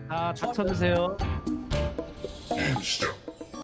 자, 닥쳐주세요. 시작.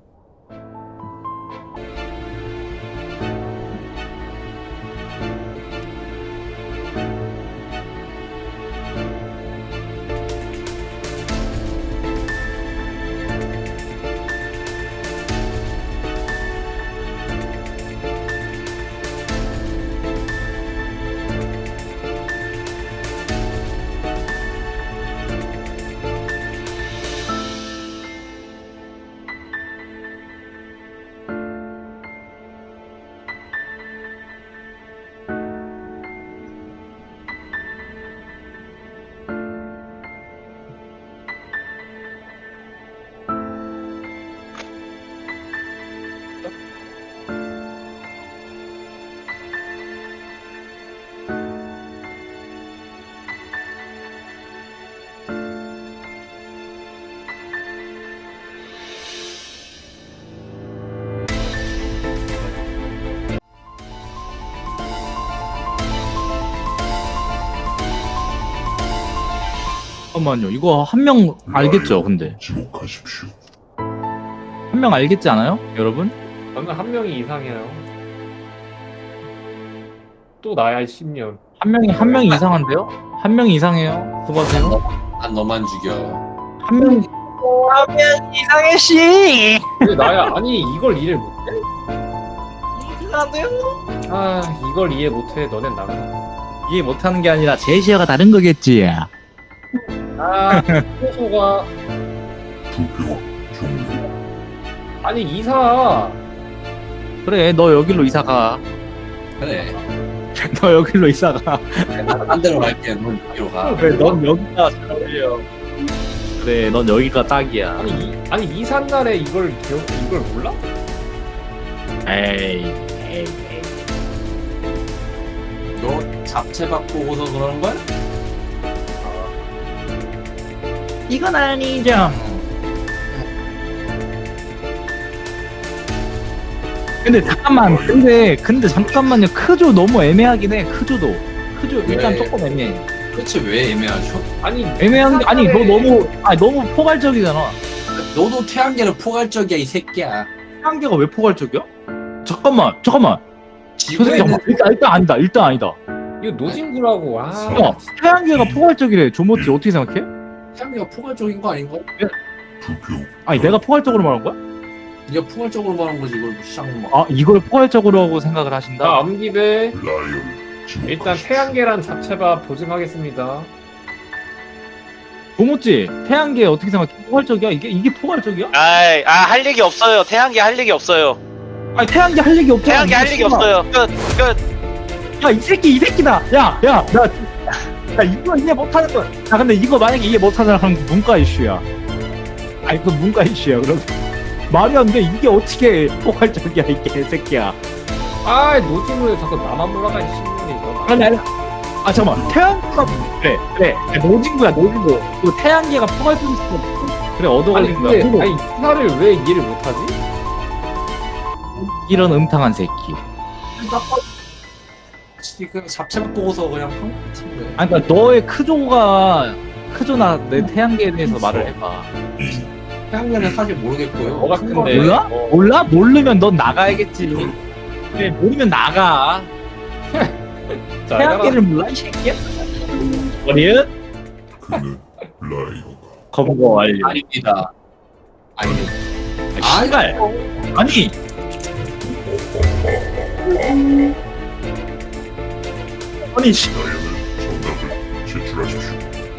잠깐만요. 이거 한 명 알겠죠? 근데 지목하십시오. 한 명 알겠지 않아요, 여러분? 저는 한 명이 이상해요. 또 나야 10년. 한 명이 이상한데요? 한 명이 이상해요. 수고하세요. 난 너만 죽여. 한 명. 하면 이상해 씨. 왜 나야? 아니 이걸 이해 못해? 이상한데요? 아 이걸 이해 못해. 너넨 나가. 이해 못하는 게 아니라 제시어가 다른 거겠지. 아 소소가 투표 종료. 아니 이사. 그래, 너 여기로 이사 가. 그래. 너 여기로 이사 가. 딴 데로 갈게. 넌 여기로 가. 그래, 넌 여기가 잘 어울려. 그래, 넌 여기가 딱이야. 아니 이사 날에 이걸 몰라? 에이, 에이. 너 잡채밥 보고서 그러는 거야? 이건 아니죠. 근데 잠깐만요. 크조 너무 애매하긴 해. 크조 일단 왜? 조금 애매해. 그렇지 왜 애매하죠? 아니 애매한 게 아니, 너 너무 포괄적이잖아. 너도 태양계는 포괄적이야 이 새끼야. 태양계가 왜 포괄적이야? 잠깐만. 저 새끼 지구에는 일단 아니다. 이거 노진구라고. 아 야, 태양계가 포괄적이래. 조모티 어떻게 생각해? 태양계가 포괄적인 거 아닌가? 투표. 아니, 내가 포괄적으로 말한 거야? 네가 포괄적으로 말한 거지 이걸 시작만. 아, 이걸 포괄적으로 하고 생각을 하신다? 나 암기배. 라이언 지목하십시오. 일단 태양계란 잡채밥 보증하겠습니다. 조모찌, 태양계 어떻게 생각해? 포괄적이야? 이게 포괄적이야? 할 얘기 없어요. 태양계 할 얘기 없어요. 아니, 태양계 할 얘기 없잖아. 태양계 할 얘기 없어요. 끝. 야, 이 새끼다. 야, 이거 이해 못하는 거야. 야, 근데 이거 만약에 이해 못하잖아. 그럼 문과 이슈야. 아니, 그 문과 이슈야. 그럼 말이 안 돼. 이게 어떻게 포괄적이야, 이 개새끼야. 아 노진구에 자꾸 나만 몰아가 이 신문이 이거. 아니. 아, 잠깐만. 태양계가 그래. 노진구야. 그 태양계가 포괄적인 그래, 얻어 아니 걸린 거야. 근데 그리고 아니 이사를 왜 이해를 못하지? 이런 음탕한 새끼. 그 잡채밥 보고서 그냥 한 같은데. 아니, 그러니까 너의 크조나 내 태양계에 대해서 말을 해봐. 태양계는 사실 모르겠고요. 뭐가 큰데? 몰라? 몰라? 모르면 넌 나가야겠지. 그래, 모르면 나가. 자, 태양계를 몰라, 이 새끼야? 어리은? 그는 라이언. 검거 완료. 아닙니다. 아닙니다. 아, 씨발. 아니. 아니, 씨. 라이언은 정답을 제출하십시오.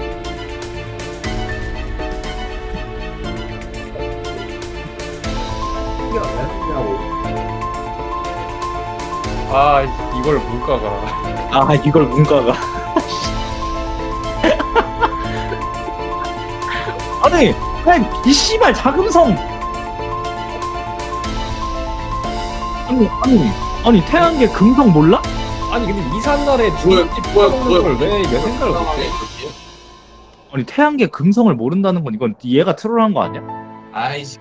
아 이걸 문과가. 아, 이걸 문과가. 아니, 그냥 이 씨발 자금성. 아니, 태양계 금성 몰라? 아니 근데 이사 날에 중국집 먹는 걸왜 생각을 못해? 아니, 태양계 금성을 모른다는 건 이건 얘가 트롤한 거 아니야? 아이씨.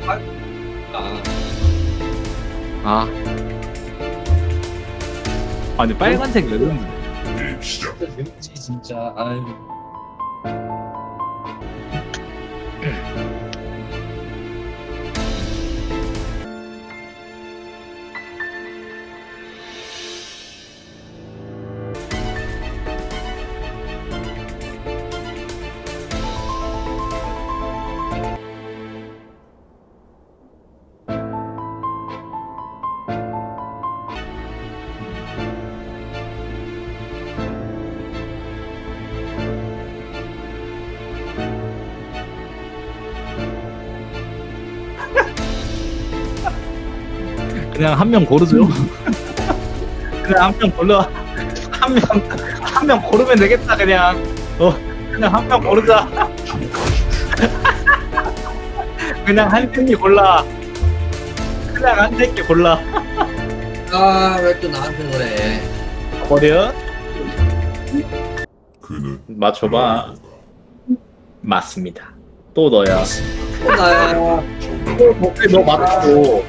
아, 아니 빨간색 레전드. 게임 시작. 왠지 진짜 아유. 그냥 한 명 고르죠. 그냥 한 명 골라. 한 명 고르면 되겠다 그냥. 그냥 한 명 고르자. 그냥 한 새끼 골라. 그냥 한 새끼 골라. 아, 왜 또 나한테 그래? 버려. 그는 맞춰봐. 라이오가 맞습니다. 또 너야. 또 나야. 정답은 너 맞고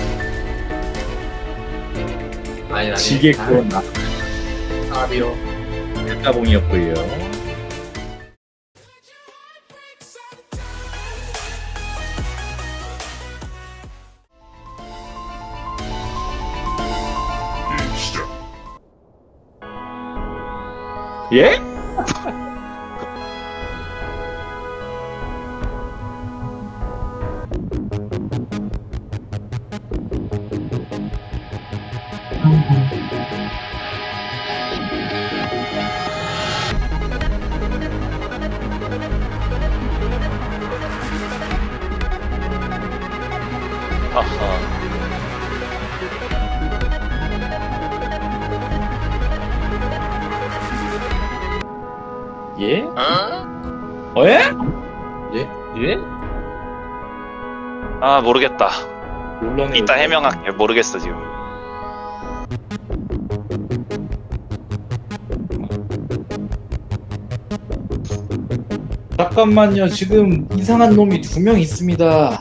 아니, 지겠고 나 아비요. 까봉이었고요. 게임 시작. 예? 아하. 예? 어? 예? 예? 아 모르겠다. 논란에 이따 해명할게. 모르겠어 지금. 잠깐만요. 지금 이상한 놈이 2명 있습니다.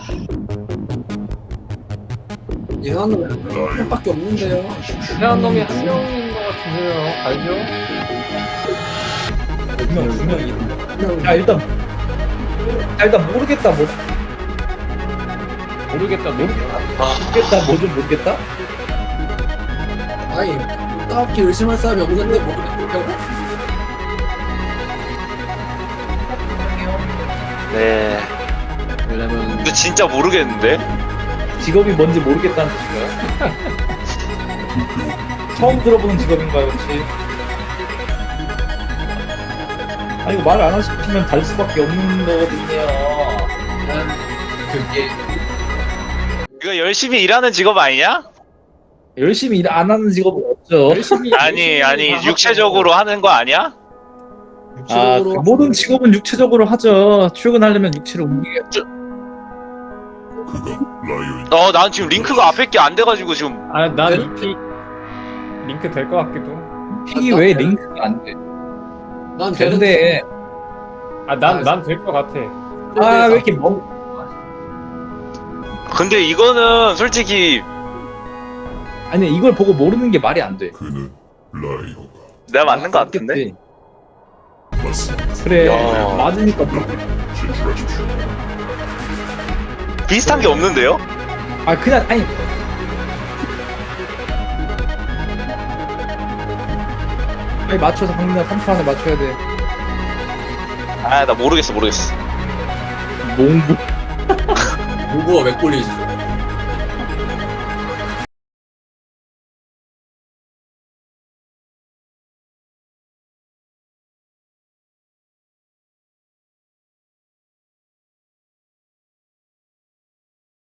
이상한 라이오 놈밖에 없는데요. 이상한 놈이 한 명인 것 같은데요. 알죠? 2명. 야 일단 모르겠다. 모르겠다. 뭐 좀 모르겠다. 아니, 딱히 의심할 사람이 없는데 모르겠다고? 네. 왜냐면 근데 진짜 모르겠는데. 직업이 뭔지 모르겠다는 뜻인가요? 처음 들어보는 직업인가요 혹시? 아 이거 말 안 하시면 달 수밖에 없는 거거든요. 그게 이거 열심히 일하는 직업 아니냐? 열심히 일 안 하는 직업은 없죠. 아니 육체적으로 하는 거 아니야? 아, 그 모든 직업은 육체적으로 하죠. 출근하려면 육체를 움직여야죠. 그가 라이오인 난 지금 링크가 앞에 게 안 돼가지고 지금. 난 이픽 링크 될 것 같기도. 픽이 왜 링크가 안 돼? 난 근데 난 될 것 같아. 아 왜 이렇게 멍? 근데 이거는 솔직히 아니 이걸 보고 모르는 게 말이 안 돼. 그는 라이오가 내가 맞는 거 같은데. 그치? 맞습니다. 그래 야. 맞으니까 제출하십시오. 비슷한 게 없는데요? 아 그냥 아니 빨리 맞춰서 강민아 3초 안에 맞춰야 돼. 아 나 모르겠어. 농구 누구가 왜 꼴리지?